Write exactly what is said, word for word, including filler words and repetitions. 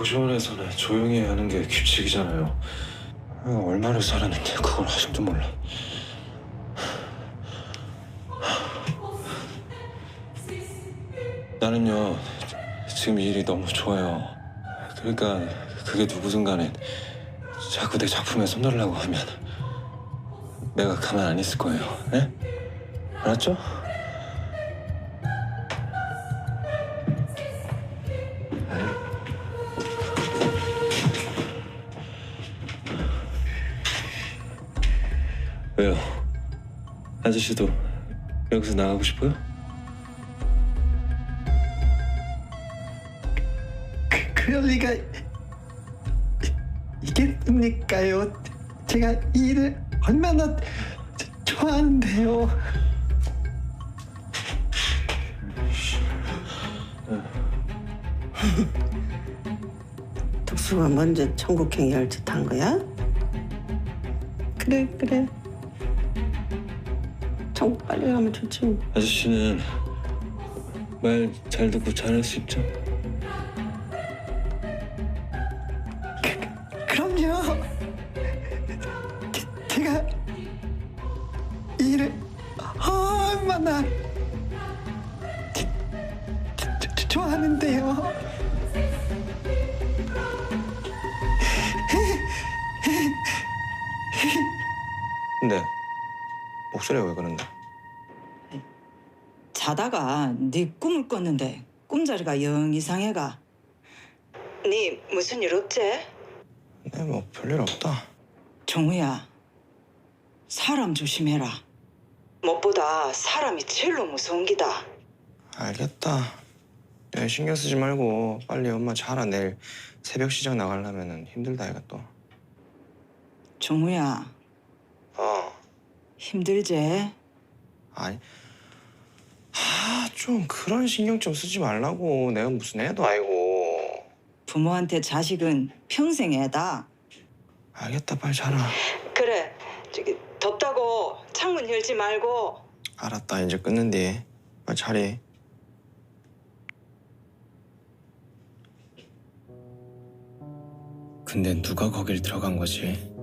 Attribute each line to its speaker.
Speaker 1: 고시원에서는 조용히 하는 게 규칙이잖아요. 내가 얼마를 살았는데 그걸 아직도 몰라. 나는요, 지금 이 일이 너무 좋아요. 그러니까 그게 누구든 간에 자꾸 내 작품에 손대려고 하면 내가 가만 안 있을 거예요. 예? 알았죠? 왜요? 아저씨도 여기서 나가고 싶어요?
Speaker 2: 그, 그럴 리가 있겠습니까요? 제가 이 일을 얼마나 저- 좋아하는데요.
Speaker 3: 특수가 먼저 천국행위할 짓 한 거야? 그래 그래. 천국 빨리 가면 좋지 뭐.
Speaker 1: 아저씨는 말 잘 듣고 잘할 수 있죠?
Speaker 2: 그럼요. 제, 제가 이 일을 얼마나 지- 지- 지- 좋아하는데요.
Speaker 4: 근데 목소리가 왜 그런데?
Speaker 5: 자다가 네 꿈을 꿨는데 꿈자리가 영 이상해가. 네 무슨 일 없지?
Speaker 4: 네, 뭐 별일 없다.
Speaker 5: 종우야, 사람 조심해라. 무엇보다 사람이 제일로 무서운 기다.
Speaker 4: 알겠다. 야, 신경 쓰지 말고 빨리 엄마 자라. 내일 새벽 시장 나가려면 힘들다 이가 또.
Speaker 5: 종우야,
Speaker 4: 어.
Speaker 5: 힘들지?
Speaker 4: 아니. 아, 좀 그런 신경 좀 쓰지 말라고. 내가 무슨 애도 아니고.
Speaker 5: 부모한테 자식은 평생 애다.
Speaker 4: 알겠다, 빨리 자라.
Speaker 5: 그래, 저기 덥다고 창문 열지 말고.
Speaker 4: 알았다, 이제 끊는디. 빨리 자리.
Speaker 6: 근데 누가 거길 들어간 거지?